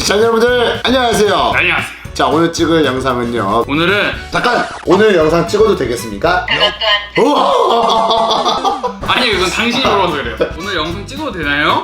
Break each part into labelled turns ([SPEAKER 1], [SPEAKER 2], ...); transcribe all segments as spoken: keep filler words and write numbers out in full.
[SPEAKER 1] 시청자 여러분들 안녕하세요.
[SPEAKER 2] 안녕하세요.
[SPEAKER 1] 자, 오늘 찍을 영상은요.
[SPEAKER 2] 오늘은
[SPEAKER 1] 잠깐! 오늘 영상 찍어도 되겠습니까? 우와!
[SPEAKER 2] 아니 이건 당신이 물어서 그래요. 오늘 영상 찍어도 되나요?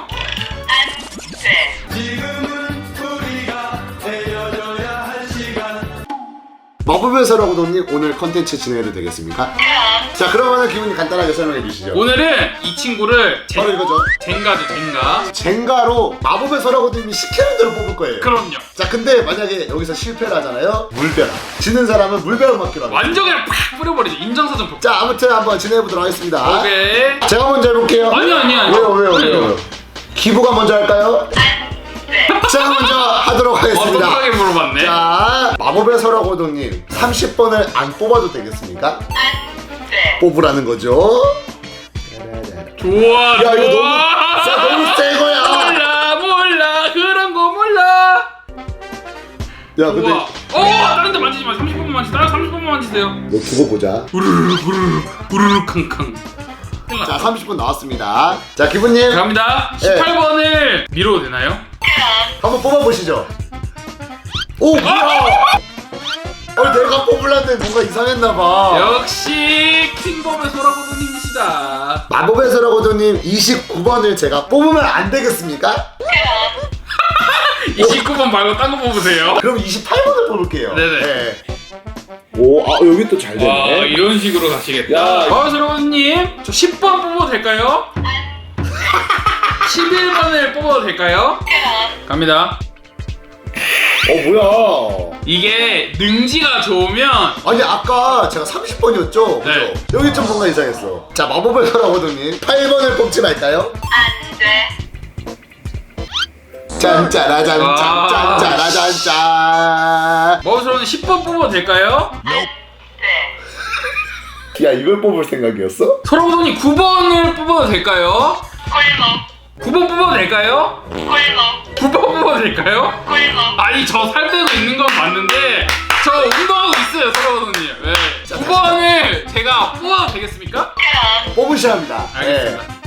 [SPEAKER 1] 마법의 서라고 돈님 오늘 컨텐츠 진행해도 되겠습니까? 자, 그러면 기분이 간단하게 설명해 주시죠.
[SPEAKER 2] 오늘은 이 친구를 젠,
[SPEAKER 1] 바로 이거죠.
[SPEAKER 2] 젠가죠 젠가.
[SPEAKER 1] 젠가로 마법의 서라고 돈님이 시키는 대로 뽑을 거예요.
[SPEAKER 2] 그럼요.
[SPEAKER 1] 자, 근데 만약에 여기서 실패를 하잖아요. 물벼락. 지는 사람은 물벼락 맞기로 합니다.
[SPEAKER 2] 완전 그냥 팍 뿌려버리죠. 인정사정 폭.
[SPEAKER 1] 자, 아무튼 한번 진행해 보도록 하겠습니다.
[SPEAKER 2] 오케이.
[SPEAKER 1] 제가 먼저 해볼게요.
[SPEAKER 2] 아니 아니 아니.
[SPEAKER 1] 왜요 왜요 왜요? 기부가 먼저 할까요? 제가 먼저 하도록 하겠습니다.
[SPEAKER 2] 어떡하게 물어봤네.
[SPEAKER 1] 자, 마법의 서라고도님 삼십 번을 안 뽑아도 되겠습니까? 뽑으라는 거죠.
[SPEAKER 2] 좋아.
[SPEAKER 1] 야, 이거
[SPEAKER 2] 좋아.
[SPEAKER 1] 너무 자, 너무 세 거야.
[SPEAKER 2] 몰라 몰라 그런 거 몰라.
[SPEAKER 1] 야, 근데
[SPEAKER 2] 우와. 어 다른 데 만지지 마. 삼십 번만 만지. 다른 삼십 번만 만지세요.
[SPEAKER 1] 너 두고 보자.
[SPEAKER 2] 우르르 우르르 우르르 캉캉.
[SPEAKER 1] 자, 삼십 분 나왔습니다. 자, 기부님
[SPEAKER 2] 갑니다.
[SPEAKER 1] 네.
[SPEAKER 2] 십팔 번을 미뤄도 되나요?
[SPEAKER 1] 한번 뽑아보시죠. 오, 뭐야? 어, 내가 뽑으려는데 뭔가 이상했나봐.
[SPEAKER 2] 역시 킹범의 소라고도님이시다.
[SPEAKER 1] 마법의 서라고도님 이십구 번을 제가 뽑으면 안 되겠습니까?
[SPEAKER 2] 이십구 번 말고 딴 거 뽑으세요.
[SPEAKER 1] 그럼 이십팔 번을 뽑을게요.
[SPEAKER 2] 네네.
[SPEAKER 1] 네. 오, 아, 여기 또 잘
[SPEAKER 2] 와
[SPEAKER 1] 되네.
[SPEAKER 2] 이런 식으로 가시겠다.
[SPEAKER 1] 야.
[SPEAKER 2] 마법의 소라고도님 저 십 번 뽑아도 될까요? 십일 번을 뽑아도 될까요? 갑니다.
[SPEAKER 1] 어, 뭐야?
[SPEAKER 2] 이게 능지가 좋으면
[SPEAKER 1] 아니, 아까 제가 삼십 번이었죠?
[SPEAKER 2] 네.
[SPEAKER 1] 그죠? 여기 좀 뭔가 이상했어. 자, 마법의 서라고도님 팔 번을 뽑지 말까요? 짠짜라짠
[SPEAKER 2] 와.
[SPEAKER 1] 짠짠짜라짠짠.
[SPEAKER 2] 마법의 소라고도님 십 번 뽑아도 될까요?
[SPEAKER 1] 야, 이걸 뽑을 생각이었어?
[SPEAKER 2] 소라고도님 구 번을 뽑아도 될까요? 구 번 뽑아도 될까요? 구 번 뽑아도 될까요? 아니 저 살 빼고 있는 건 맞는데 저 운동하고 있어요 소라고도님. 네. 구 번을 제가 뽑아도 되겠습니까?
[SPEAKER 1] 뽑으셔야 합니다.
[SPEAKER 2] 알겠습니다.
[SPEAKER 1] 네.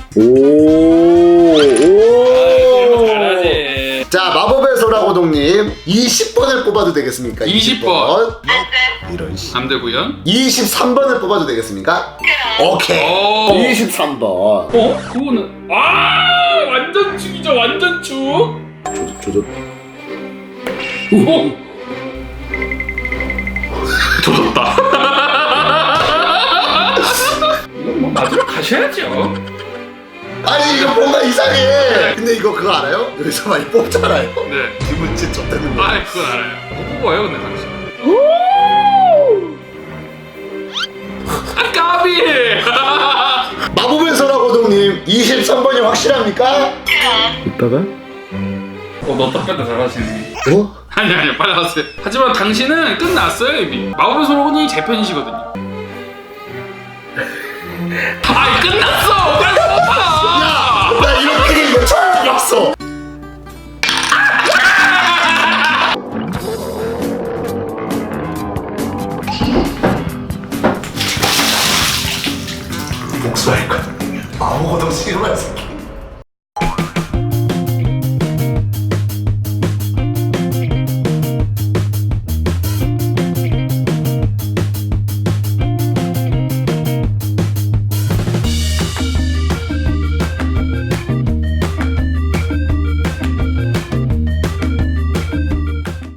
[SPEAKER 1] 오, 오.
[SPEAKER 2] 잘하지.
[SPEAKER 1] 자, 마법의 소라고동님 이십 번을 뽑아도 되겠습니까?
[SPEAKER 2] 이십 번.
[SPEAKER 1] 이런 씨.
[SPEAKER 2] 안 되고요.
[SPEAKER 1] 이십삼 번을 뽑아도 되겠습니까? 오케이.
[SPEAKER 2] 오.
[SPEAKER 1] 이십삼 번.
[SPEAKER 2] 어? 그거는 아 완전 축이죠 완전 축.
[SPEAKER 1] 조조 조조.
[SPEAKER 2] 오. 조졌다. 이건 뭐 마지막 가셔야죠.
[SPEAKER 1] 아니, 이거 뭔가 이상해. 근데 이거 그거 알아요? 여기서 많이 뽑잖아요.
[SPEAKER 2] 네.
[SPEAKER 1] 기분 진짜 좋다는 거.
[SPEAKER 2] 아 그건 알아요. 못 뽑아요 근데 당신. 아 까비.
[SPEAKER 1] 마법의 소라고동님 이십삼 번이 확실합니까?
[SPEAKER 2] 이따가? 어너 답변도 잘하시네.
[SPEAKER 1] 어?
[SPEAKER 2] 아니 아니 빨리 하세요. 하지만 당신은 끝났어요 이미. 마법의 소라고님이 제 편이시거든요. 아이 끝났어. 빨리 뽑아.
[SPEAKER 1] 나 이렇게 된 거 처음 봤어.